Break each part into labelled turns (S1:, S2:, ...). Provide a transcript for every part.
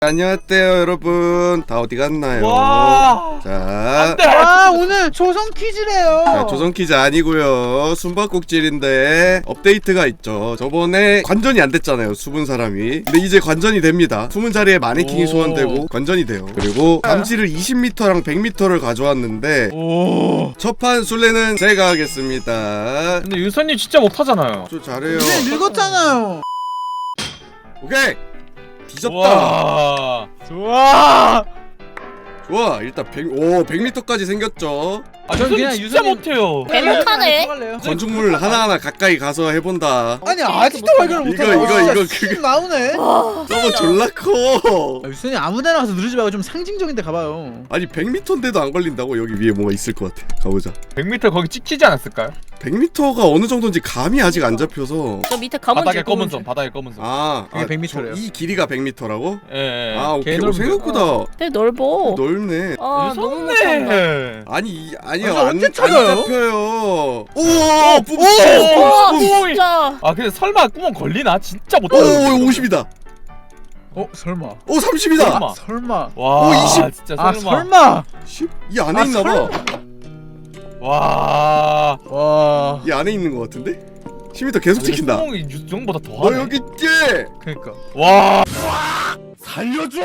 S1: 안녕하세요 여러분. 다 어디 갔나요?
S2: 와.
S1: 자,
S3: 오늘 조선 퀴즈래요.
S1: 자, 조선 퀴즈 아니고요. 숨바꼭질인데 업데이트가 있죠. 저번에 관전이 안 됐잖아요, 숨은 사람이. 근데 이제 관전이 됩니다. 숨은 자리에 마네킹이 소환되고 관전이 돼요. 그리고 감지를 20m랑 100m를 가져왔는데
S2: 오.
S1: 첫판 술래는 제가 하겠습니다.
S2: 근데 유선님 진짜 못하잖아요.
S1: 저 잘해요.
S3: 이제 늙었잖아요.
S1: 오케이, 뒤졌다.
S2: 와. 좋아.
S1: 좋아, 일단 100m까지 생겼죠.
S2: 아,
S3: 전 그냥
S2: 유선님 진짜
S3: 유선님-
S2: 못해요.
S4: 배고파네.
S1: 건축물 하나하나 가까이 가서 해본다.
S3: 아니 아직도 발견을
S1: 이거,
S3: 못하네.
S1: 이거,
S3: 진짜
S1: 그거.
S3: 나오네.
S1: 저거 졸라 커.
S3: 유선이 아무데나 가서 누르지 말고 좀 상징적인 데 가봐요.
S1: 아니 100m인데도 안 걸린다고? 여기 위에 뭐가 있을 것 같아. 가보자.
S2: 100m 거기 찍히지 않았을까요?
S1: 100m가 어느 정도인지 감이 아직 안 잡혀서.
S4: 저 밑에 검은
S2: 바닥에
S4: 줄,
S2: 검은
S4: 검은
S2: 손,
S4: 줄.
S2: 바닥에 검은 손.
S1: 아,
S3: 그게 100m 래요.
S1: 이 길이가 100m라고?
S2: 예, 예.
S1: 아, 오케이.
S3: 개넓은데.
S1: 생각보다
S4: 되게 넓어.
S1: 넓네.
S4: 아 너무 못한다.
S2: 유선님.
S1: 아니, 아니요.
S3: 아니,
S1: 안
S3: 언제 찾아요?
S1: 잡혀요. 오!
S4: 와
S1: 뿜!
S4: 진짜.
S2: 아, 근데 설마 구멍 걸리나? 진짜
S1: 오,
S2: 못하요
S1: 50이다.
S3: 설마.
S1: 오, 30이다.
S2: 설마.
S3: 설마.
S2: 와,
S1: 오, 20.
S2: 진짜
S3: 아
S2: 설마.
S3: 설마.
S1: 이 안에 있나 봐.
S2: 와.
S3: 와.
S1: 이 안에 있는 것 같은데? 10m 계속 찍힌다.
S2: 구멍이 유정보다 더
S1: 너
S2: 하네.
S1: 여기 있지?
S3: 그러니까.
S2: 와. 살려줘.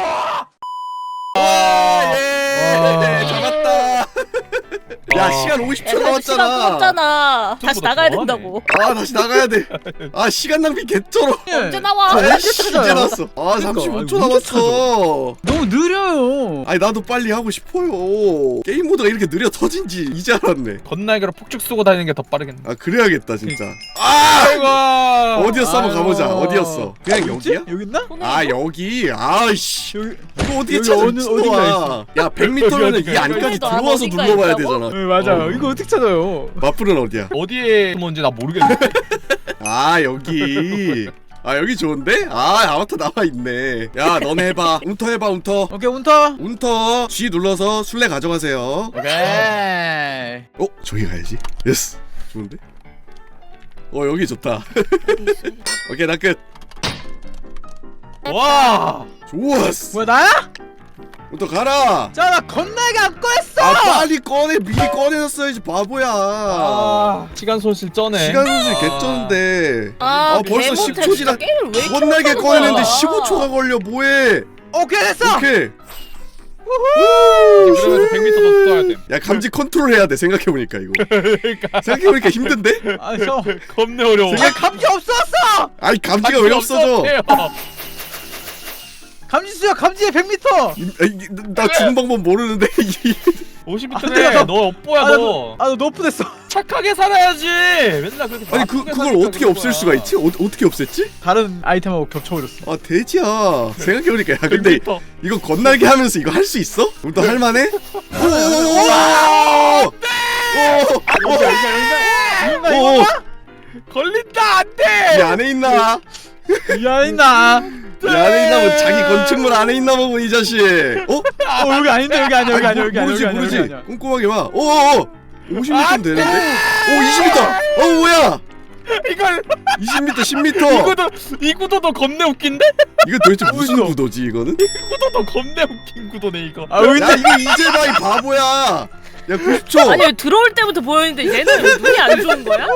S1: 예! 잡았다. 야, 시간 50초
S4: 시간
S1: 남았잖아.
S4: 끌었잖아. 다시
S2: 생각보다
S4: 나가야
S2: 더하네.
S4: 된다고.
S1: 아, 다시 나가야 돼. 아, 시간 낭비 개쩔어.
S4: 언제 나와?
S1: 아이씨, 이제
S3: 찾아요?
S1: 나왔어. 아,
S3: 그러니까,
S1: 35초
S3: 아니, 언제
S1: 남았어.
S3: 너무 느려요.
S1: 아니, 나도 빨리 하고 싶어요. 게임 모드가 이렇게 느려 터진지 이제 알았네.
S2: 건날개로 폭죽 쏘고 다니는 게 더 빠르겠네.
S1: 아, 그래야겠다 진짜. 아!
S2: 아이고.
S1: 어디였어? 한번 가보자. 어디였어? 그냥 여기야?
S3: 여기 있나?
S1: 아, 여기. 아이씨.
S3: 여기.
S1: 이거 어떻게
S3: 여기
S1: 찾아?
S3: 어딘가
S1: 미친놈아. 야, 100m면은 이
S2: 어디가
S1: 안까지
S4: 있어?
S1: 들어와서
S4: 어디가
S1: 눌러봐야
S4: 있다고?
S1: 되잖아.
S3: 네 맞아요. 이거 어떻게 찾아요?
S1: 마플은 어디야?
S2: 어디에 숨었는지 나 모르겠는데.
S1: 아, 여기. 아, 여기 좋은데? 아, 아바타 나와 있네. 야, 너네 해봐. 운터 해봐, 운터.
S3: 오케이 운터.
S1: 운터 G 눌러서 술래 가져가세요.
S3: 오케이.
S1: 저기 가야지. 예스. 좋은데? 여기 좋다. 오케이, 나 끝.
S2: 와.
S1: 좋았어.
S3: 뭐야 나야?
S1: 운터 가라.
S3: 자 나 건날개 안 꺼냈어.
S1: 아, 빨리 꺼내. 미리 꺼내놨어야지, 바보야.
S2: 아, 시간 손실 쩌네.
S1: 시간 손실 개쩌는데.
S4: 아
S1: 벌써
S4: 개못해.
S1: 10초 지나.
S4: 진짜 게임을 왜 이렇게
S1: 건날개
S4: 못하는
S1: 꺼내는데
S4: 거야?
S1: 15초가 걸려. 뭐해?
S3: 오케이 됐어.
S1: 오케이.
S2: 그러면서 100m 더 써야 돼.
S1: 야, 감지 컨트롤 해야 돼. 생각해보니까 이거.
S2: 그러니까
S1: 생각해보니까 힘든데?
S3: 아 형.
S2: 겁내 어려워.
S3: 아 감지 없었어.
S1: 아니, 감지가 왜 없어져?
S3: 감지 수야 감지에 100m.
S1: 나 죽는 방법 모르는데.
S2: 50m네. 너 업보야 너.
S3: 아너 너프됐어.
S2: 착하게 살아야지. 맨날 그렇게.
S1: 아니,
S2: 나쁘게
S1: 그걸
S2: 사니까
S1: 어떻게
S2: 그런
S1: 없앨
S2: 거야.
S1: 수가 있지? 어떻게 없앴지?
S3: 다른 아이템하고 겹쳐버렸어.
S1: 아, 돼지야. 생각해보니까. 야, 근데
S2: 100m.
S1: 이거 건날개 하면서 이거 할 수 있어? 그럼 또 할만해? 오!
S2: 걸린다 안
S1: 이
S2: 돼.
S1: 안에 있나?
S3: 미안했나?
S1: 이 안에 있나 보 자기 건축물 안에 있나 보고 이 자식.
S3: 여기 아닌데 여기 아니야 여기 아니야 여기 아니야
S1: 모르지
S3: 여기 아니야,
S1: 모르지.
S3: 여기 아니야.
S1: 꼼꼼하게 봐. 오 50m 되는데? 오 20m. 뭐야?
S2: 이걸
S1: 20m 10m.
S2: 이 구도도 겁내 웃긴데?
S1: 이거 도대체 무슨 구도지 이거는?
S2: 구도도 겁내 웃긴 구도네 이거.
S3: 아 여기
S1: 야, 이거 이제 봐 이 바보야. 야 90초.
S4: 아니 들어올 때부터 보였는데 얘는 왜 눈이 안 좋은 거야?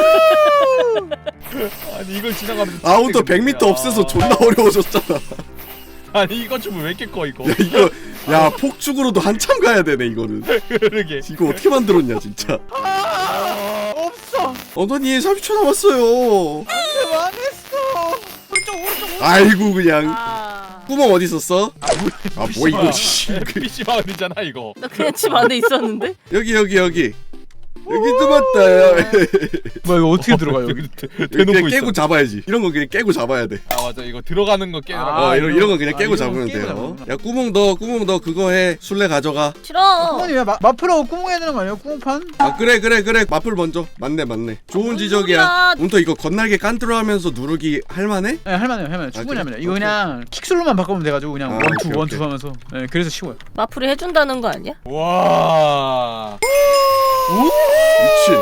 S2: 아니 이걸 지나가면
S1: 아웃도 100m 없애서 존나 어려워졌잖아.
S2: 아니 이거 좀 왜 이렇게 커 이거.
S1: 야 이거 야 폭죽으로도 한참 가야 되네 이거는.
S2: 그러게.
S1: 이거 어떻게 만들었냐 진짜.
S3: 없어.
S1: 언더니 30초 남았어요.
S3: 망했어.
S1: 아이고 그냥.
S4: 아,
S1: 구멍 어디 있었어? 아 뭐 이거 씨.
S2: PC 마을이잖아 이거.
S4: 나 그냥 집 안에 있었는데.
S1: 여기 여기도 맞다.
S3: 뭐야 이거 어떻게 들어가 여기?
S2: 대놓고
S1: 그냥
S2: 있어.
S1: 깨고 잡아야지. 이런 거 그냥 깨고 잡아야 돼.
S2: 아 맞아 이거 들어가는 거 깨라.
S3: 아,
S1: 이런 거 그냥
S3: 아,
S1: 깨고
S3: 이런 거
S1: 잡으면
S3: 깨고
S1: 돼요.
S3: 잡는다.
S1: 야 구멍 너 그거 해. 술래 가져가.
S4: 싫어.
S3: 구멍이 왜 마프라고 구멍 해야 되는 거 아니야? 구멍판?
S1: 아 그래 마플 먼저. 맞네. 좋은
S4: 뭔
S1: 지적이야.
S4: 소리야.
S1: 운터 이거 건날개 깐트로하면서 누르기 할만해?
S3: 네 할만해요 충분히
S1: 그래?
S3: 할만해요. 이거
S1: 오케이.
S3: 그냥 킥슬로만 바꾸면 돼가지고 그냥
S1: 아,
S3: 원투
S1: 오케이,
S3: 원투
S1: 오케이.
S3: 하면서 네 그래서 쉬워요.
S4: 마플이 해준다는 거 아니야?
S2: 와.
S1: 미친.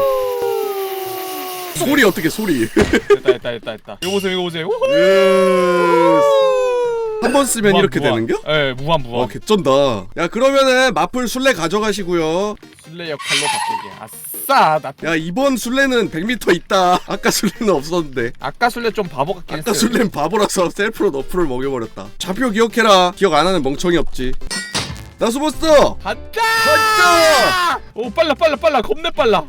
S1: 소리 어떻게 소리?
S2: 됐다. 이거 보세요.
S1: 예스. 한 번 쓰면 이렇게
S2: 무한.
S1: 되는겨?
S2: 예, 무한.
S1: 개쩐다. 야 그러면은 마플 술래 가져가시고요.
S2: 술래 역할로 바꾸기. 아싸. 나
S1: 야 이번 술래는 100m 있다. 아까 술래는 없었는데.
S2: 아까 술래 좀 바보 같긴
S1: 아까
S2: 했어요.
S1: 술래는 바보라서 셀프로 너프를 먹여버렸다. 좌표 기억해라. 기억 안 하는 멍청이 없지. 나 숨었어.
S2: 간다.
S1: 간다.
S2: 오 빨라. 겁내 빨라.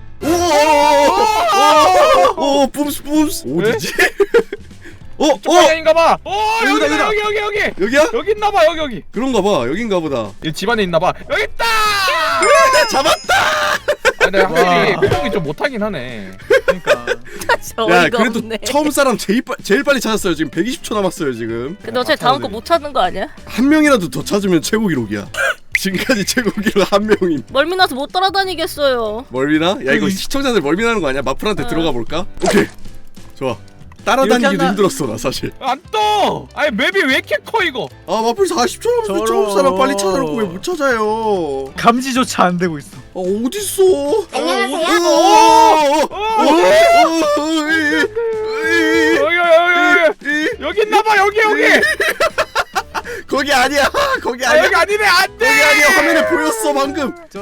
S1: 오 뿜스 어디지?
S2: 저 방향인가봐. 오
S3: 여기다,
S2: 여기.
S1: 여기야?
S2: 여기 있나봐 여기.
S1: 그런가봐. 여긴가 보다.
S2: 이 집안에 있나봐. 여기 있다.
S1: 잡았다.
S2: 아, 내가
S3: 와.
S2: 확실히 표정이 좀 못하긴 하네.
S3: 그러니까.
S1: 야
S4: 어이가
S1: 그래도
S4: 없네.
S1: 처음 사람 제일 빨리 찾았어요. 지금 120초 남았어요 지금.
S4: 근데 어차피 다음 거 못 찾는 거 아니야?
S1: 한 명이라도 더 찾으면 최고 기록이야. 지금까지 최고 기록 한 명임.
S4: 멀미나서 못 따라다니겠어요.
S1: 멀미나? 야 이거 시청자들 멀미나는 거 아니야? 마플한테 들어가 볼까? 오케이. 좋아. 따라다니기도
S3: 이렇게 한다-
S1: 힘들었어 나 사실.
S2: 안 떠. 아니 맵이 왜 이렇게 커 이거?
S1: 아 마플 40초 남았어.
S3: 저런.
S1: 처음 사람 빨리 찾아놓고 왜 못 찾아요?
S3: 감지조차 안 되고 있어.
S1: 어딨어?
S2: 여기 있나봐 여기.
S1: 거기 아니야. 거기
S2: 아
S1: 아니야.
S2: 여기 아니네 안돼.
S1: 거기 아니야. 화면에 보였어 방금.
S3: 저런.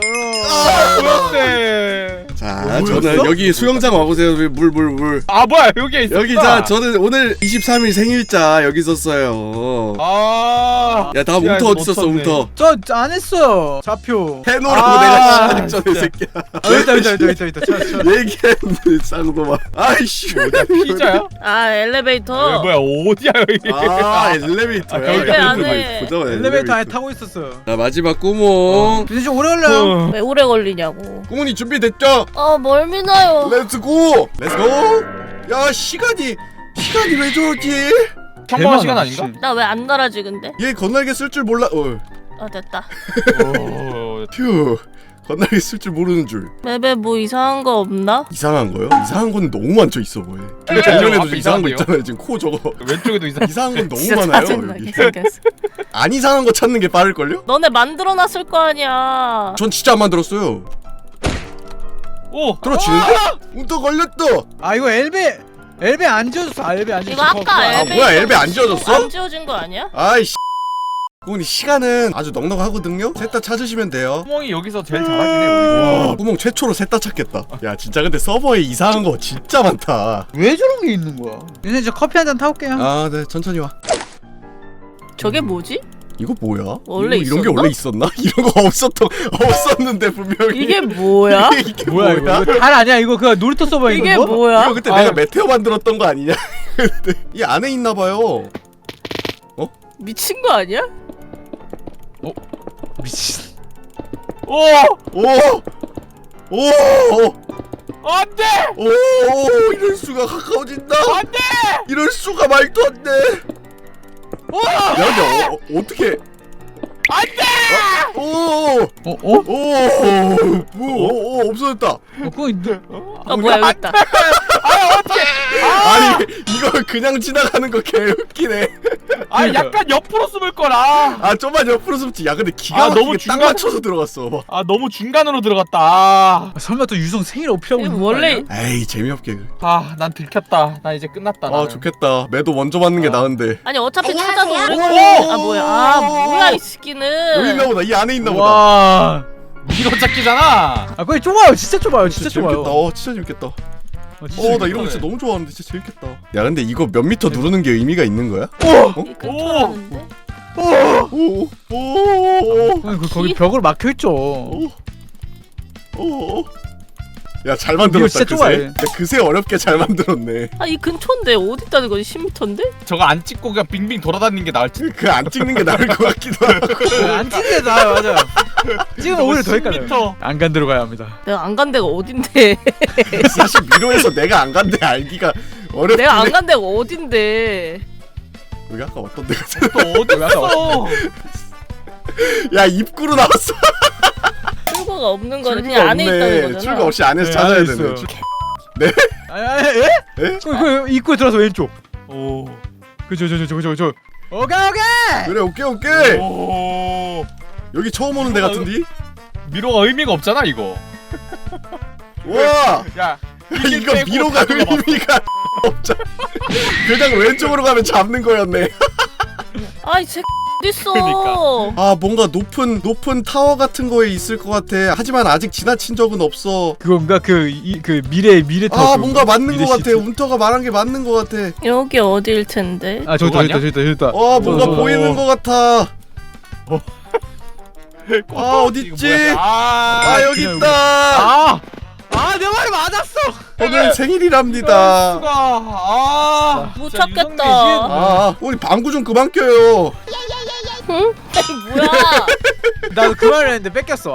S2: 보였대.
S1: 자
S3: 뭐였어?
S1: 저는 여기 수영장 와보세요. 물.
S2: 아 뭐야 여기에 있어.
S1: 여기 자 저는 오늘 23일 생일자 여기 있었어요.
S2: 아.
S1: 야 다음
S2: 야,
S1: 움터
S2: 이거
S1: 어디 있었어
S2: 놓쳤네.
S1: 움터?
S3: 저 안 했어. 좌표.
S1: 해놓으라고
S2: 아,
S1: 내가 시작하기 전에
S2: 진짜.
S1: 새끼야.
S3: 있다. 찾아.
S1: 얘기했는데 쌍도마. 아이씨.
S2: 피자야?
S4: 아 엘리베이터.
S2: 뭐야 어디야 여기?
S1: 아 엘리베이터야.
S2: 아,
S4: 엘베 안에.
S1: 보자마자
S3: 엘리베이터 안에 타고 있었어.
S1: 자 마지막 구멍.
S3: 근데 좀 오래 걸려요.
S4: 왜 오래 걸리냐고.
S1: 구멍이 준비됐죠?
S4: 아 멀미나요.
S1: 렛츠고. 렛츠고. 야 시간이 왜 저러지?
S2: 평범한 시간 아닌가?
S4: 나 왜 안 날아지 근데?
S1: 얘 건날개 쓸 줄 몰라.
S4: 아 됐다.
S2: 오.
S1: 휴. 건날개 쓸 줄 모르는 줄.
S4: 맵에 뭐 이상한 거 없나?
S1: 이상한 거요? 이상한 건 너무 많죠 있어 보여.
S2: 네,
S1: 작년에도
S2: 앞에
S1: 이상한 거
S2: 이상한데요?
S1: 있잖아요. 지금 코 저거.
S2: 왼쪽에도 이상.
S1: 이상한 건 너무
S4: 진짜
S1: 많아요.
S4: 짜증나게
S1: 여기.
S4: 생겼어.
S1: 안 이상한 거 찾는 게 빠를걸요?
S4: 너네 만들어놨을 거 아니야.
S1: 전 진짜 안 만들었어요.
S2: 오.
S1: 떨어지는데? 또 걸렸다.
S3: 아 이거 엘베 안 지워졌어. 엘베 안
S4: 이거
S3: 지워졌어.
S4: 아까
S1: 아,
S4: 엘베
S1: 뭐야, 엘베 안 지워졌어?
S4: 안 지워진 거 아니야?
S1: 아이씨. 그분이 시간은 아주 넉넉하거든요. 셋 다 찾으시면 돼요.
S2: 구멍이 여기서 제일 잘하긴 해. 우리.
S1: 와, 구멍 최초로 셋 다 찾겠다. 야, 진짜 근데 서버에 이상한 거 진짜 많다.
S3: 왜 저런 게 있는 거야? 이제 저 커피 한 잔 타올게요.
S1: 아, 네, 천천히 와.
S4: 저게 뭐지?
S1: 이거 뭐야?
S4: 원래
S1: 이런 게
S4: 있었나?
S1: 원래 있었나? 이런 거 없었는데 분명히.
S4: 이게 뭐야?
S1: 이게
S3: 뭐야 이거? 이거 달 아니야? 이거 그 놀이터 서버 이거?
S4: 이게
S3: 뭐?
S4: 뭐야?
S1: 이거 그때
S3: 아유.
S1: 내가 메테오 만들었던 거 아니냐? 근데 이 안에 있나 봐요.
S4: 미친 거 아니야?
S3: 미친.
S2: 오.
S1: 오! 오!
S2: 안돼.
S1: 오! 이럴 수가 가까워진다.
S2: 안돼.
S1: 이럴 수가 말도 안 돼. 야, 근데 어떻게?
S2: 안돼.
S1: 오! 오! 없어졌다.
S3: 그거 있는데.
S4: 아 뭐야 여기 있다.
S1: 아니 이걸 그냥 지나가는 거 개웃기네.
S2: 아 약간 옆으로 숨을 거라.
S1: 아 좀만 옆으로 숨지. 야 근데 기가
S2: 아,
S1: 막히게
S2: 너무
S1: 딱
S2: 중간-
S1: 맞춰서 들어갔어.
S2: 아 너무 중간으로 들어갔다.
S3: 설마 또 유성 생일 어필하고
S4: 이거
S3: 있는 거
S4: 원래
S3: 아니야?
S1: 에이 재미없게.
S2: 아난 들켰다. 나 이제 끝났다.
S1: 아
S2: 나는.
S1: 좋겠다. 매도 먼저 맞는 게 나은데.
S4: 아니 어차피 찾아도 오래
S1: 오!
S4: 걸려. 아 뭐야? 아 뭐야 이
S1: 여기
S4: 새끼는.
S1: 있나 보다. 이 안에 있나 보다.
S3: 와.
S2: 이거 찾기잖아.
S3: 아 그게 좁아요. 진짜 좁아요. 진짜 좁아요.
S1: 재밌겠다. 진짜 재밌겠다.
S3: 진짜
S1: 나 이런 거 진짜 너무 좋아하는데 진짜 재밌겠다. 야 근데 이거 몇 미터 누르는 게 의미가 있는 거야?
S4: 이 근처라는데.
S1: 오! 오!
S3: 거기 벽으로 막혀 있죠.
S1: 오! 야 잘 만들었다.
S3: 진짜
S1: 그새.
S3: 좋아해.
S1: 야, 그새 어렵게 잘 만들었네.
S4: 아 이 근처인데 어디 있다는 거지? 10m인데?
S2: 저거 안 찍고 그냥 빙빙 돌아다니는 게 나을지.
S1: 그 안 찍는 게 나을 것 같기도 하고.
S3: 안 찍는 게 나아요. 맞아요. 찍으면 오히려 더 헷갈려요.
S2: 10m.
S3: 안 간 데로 가야 합니다.
S4: 내가 안 간 데가 어딘데?
S1: 사실 미로에서 내가 안 간데 알기가 어렵긴
S4: 내가 안
S1: 해.
S4: 간 데가 어딘데?
S1: 여기 아까 어떤 데가
S2: 또 어디 갔어?
S1: 야 입구로 나왔어.
S4: 출구가 없는 거는
S1: 출구가
S4: 그냥 안에 있다는
S1: 없네.
S4: 거잖아.
S1: 출구 없이 안에서
S3: 네,
S1: 찾아야
S3: 안에
S1: 되네.
S3: 있어요.
S1: 네?
S3: 아니 에?
S1: 에?
S3: 그 입구에 들어서 왼쪽.
S2: 오.
S3: 그저. 오케이.
S1: 그래 오케이.
S2: 오.
S1: 여기 처음 오는 데 같은데?
S2: 미로가 의미가 없잖아 이거.
S1: 와!
S2: 야.
S1: 이거
S2: 빼고
S1: 미로가
S2: 다 들어가.
S1: 의미가 없잖아. 그냥 왼쪽으로 가면 잡는 거였네.
S4: 아이 쟤 어딨어?
S2: 그러니까.
S1: 아 뭔가 높은 타워 같은 거에 있을 것 같아. 하지만 아직 지나친 적은 없어.
S3: 그건가 그 미래 타워.
S1: 아 뭔가 맞는
S3: 미래
S1: 것 같아.
S3: 시트.
S1: 운터가 말한 게 맞는 것 같아.
S4: 여기 어딜 텐데?
S3: 아 저기
S2: 저거
S3: 있다 저기 있다 저기 있다.
S1: 뭔가
S3: 저.
S1: 보이는 것 같아. 아 어딨지?
S2: 아
S1: 여기
S3: 그냥
S1: 있다.
S3: 내 말이 맞았어.
S1: 오늘 생일이랍니다.
S2: 수가 아
S4: 못
S2: 진짜
S4: 찾겠다.
S2: 유성민
S1: 우리 방구 좀 그만 껴요.
S4: 응? 아니 뭐야?
S3: 나도 그 말을 했는데 뺏겼어.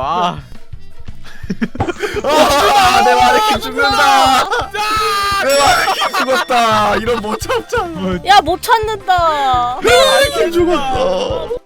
S1: 내 마네킹 죽는다. 내 마네킹 죽었다. 이런 못 참잖아.
S4: 야 못 찾는다.
S1: 내 마네킹 죽었어.